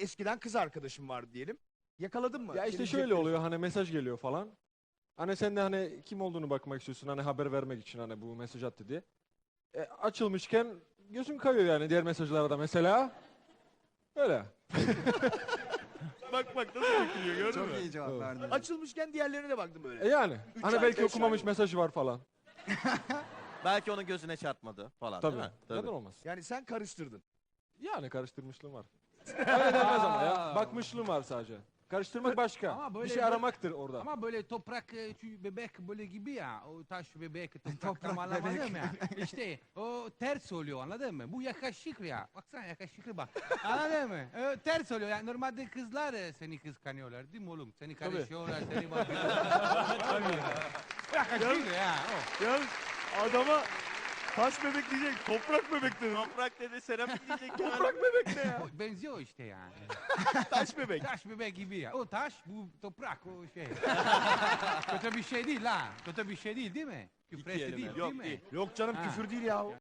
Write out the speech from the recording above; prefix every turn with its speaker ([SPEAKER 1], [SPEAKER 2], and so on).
[SPEAKER 1] eskiden kız arkadaşım vardı diyelim. Yakaladın mı?
[SPEAKER 2] Ya işte
[SPEAKER 1] Senin
[SPEAKER 2] şöyle
[SPEAKER 1] cep
[SPEAKER 2] oluyor hani mesaj geliyor falan. Hani sen de hani kim olduğunu bakmak istiyorsun hani haber vermek için hani bu mesaj attı diye. Açılmışken gözüm kayıyor yani diğer mesajlara da mesela. Öyle.
[SPEAKER 1] Bak bak nasıl dökülüyor gördün
[SPEAKER 3] Çok
[SPEAKER 1] mü?
[SPEAKER 3] iyi cevap verdin.
[SPEAKER 1] Açılmışken diğerlerine de baktım böyle.
[SPEAKER 2] Yani.
[SPEAKER 1] Üç
[SPEAKER 2] Hani
[SPEAKER 1] ay,
[SPEAKER 2] belki
[SPEAKER 1] beş
[SPEAKER 2] okumamış
[SPEAKER 1] ay.
[SPEAKER 2] mesajı var falan.
[SPEAKER 4] Belki onun gözüne çarpmadı falan
[SPEAKER 2] Tabii.
[SPEAKER 4] değil mi?
[SPEAKER 2] Neden olmaz?
[SPEAKER 1] Yani sen karıştırdın.
[SPEAKER 2] Yani karıştırmışlığım var. Öyle denmez ama ya. Bakmışlığım var sadece. Karıştırmak başka.
[SPEAKER 5] Ama böyle-
[SPEAKER 2] bir şey aramaktır orada.
[SPEAKER 5] Ama böyle toprak bebek böyle gibi ya. O taş bebek toprak
[SPEAKER 3] Toprak
[SPEAKER 5] tam anlamadım
[SPEAKER 3] bebek.
[SPEAKER 5] ya. İşte o ters oluyor anladın mı? Bu yakışıklı ya. Baksana yakışıklı bak. Anladın mı? Ters oluyor. Yani normalde kızlar seni kıskanıyorlar değil mi oğlum? Seni karışıyorlar, seni bakıyorlar. Yakışıklı ya. O.
[SPEAKER 1] Ya adama taş bebek diyecek, toprak bebek dedi.
[SPEAKER 4] Toprak dedi, seramik diyecek.
[SPEAKER 1] Toprak bebek ne ya?
[SPEAKER 5] O benziyor işte yani.
[SPEAKER 1] Taş bebek.
[SPEAKER 5] Taş bebek gibi ya. O taş, bu toprak, o şey. Kötü bir şey değil ha. Kötü bir şey değil mi? Küfür
[SPEAKER 4] kelime.
[SPEAKER 5] değil,
[SPEAKER 4] Yok,
[SPEAKER 5] değil mi?
[SPEAKER 4] değil.
[SPEAKER 1] Yok canım
[SPEAKER 5] Ha.
[SPEAKER 1] küfür değil ya.